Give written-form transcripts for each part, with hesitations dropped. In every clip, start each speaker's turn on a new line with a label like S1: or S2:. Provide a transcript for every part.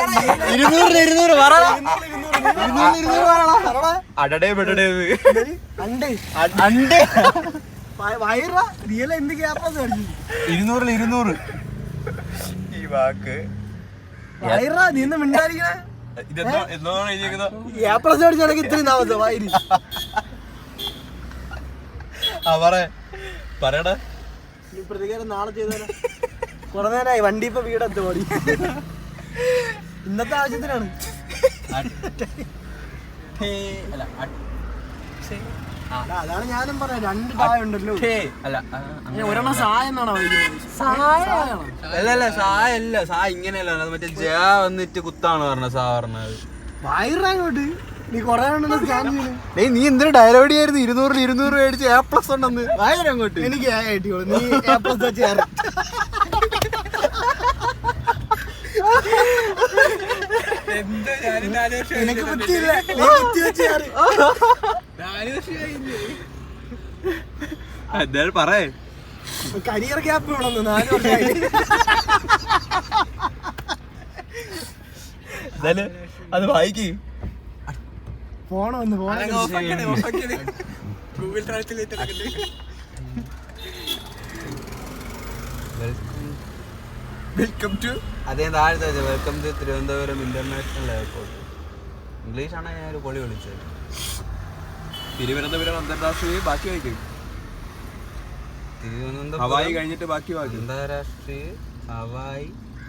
S1: ഈ വാക്ക്
S2: നീന്ന് മിണ്ടായിരിക്കണേ ഇത്രയും താമസം വയറ്
S1: പറയടാ.
S2: പ്രതികാരം നാളെ ചെയ്താലോ? കുറെ നേരമായി വണ്ടി ഇപ്പൊ വീടെത്തു ഓടി. ഇന്നത്തെ ആവശ്യത്തിനാണ്. അതാണ് ഞാനും പറയാം. 2 താഴ ഉണ്ടല്ലോ. ഒരെണ്ണം സായ എന്നാണോ
S1: അല്ല സായല്ല, സാ ഇങ്ങനെയല്ല, അത് മറ്റേ ജ വന്നിട്ട് കുത്താണ് പറഞ്ഞത്. സാ പറഞ്ഞത്
S2: വയറങ്ങോട്ട് നീ കൊറേ സ്കാൻ ചെയ്യണേ.
S1: നീ എന്തൊരു ഡയലോഗ് ആയിരുന്നു. 200 മേടിച്ച് A+ ഉണ്ടെന്ന്. അങ്ങോട്ട്
S2: എനിക്ക് നീ A+ വെച്ച് എനിക്ക് ബുദ്ധിയില്ല. ബുദ്ധി വെച്ച്
S1: എന്തായാലും പറയേ.
S2: കരിയർ ഗ്യാപ്പ് വേണമെന്ന് 4 വർഷമായി.
S1: എന്തായാലും അത് വായിക്ക്.
S2: ഫോൺ വന്ന്
S1: welcome to welcome to Thiruvananthapuram international airport. ഇംഗ്ലീഷാണ് ഞാൻ ഒരു പൊളി വിളിച്ചത്.
S3: തിരുവനന്തപുരം അന്താരാഷ്ട്രീയ ബാക്കി വായിക്കും.
S1: തിരുവനന്തപുരം
S3: ഹവായി കഴിഞ്ഞിട്ട് ബാക്കി വായിക്കും.
S1: അന്താരാഷ്ട്രീയ ഹവായി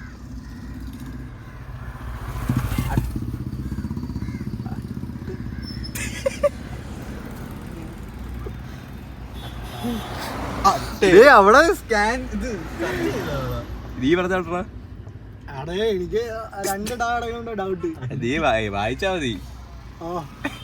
S1: അവിടെ സ്കാൻ ഇത്
S3: നീ പറഞ്ഞാ.
S2: എനിക്ക് 2 ഡൗട്ട്.
S3: നീ വായിച്ചാ മതി.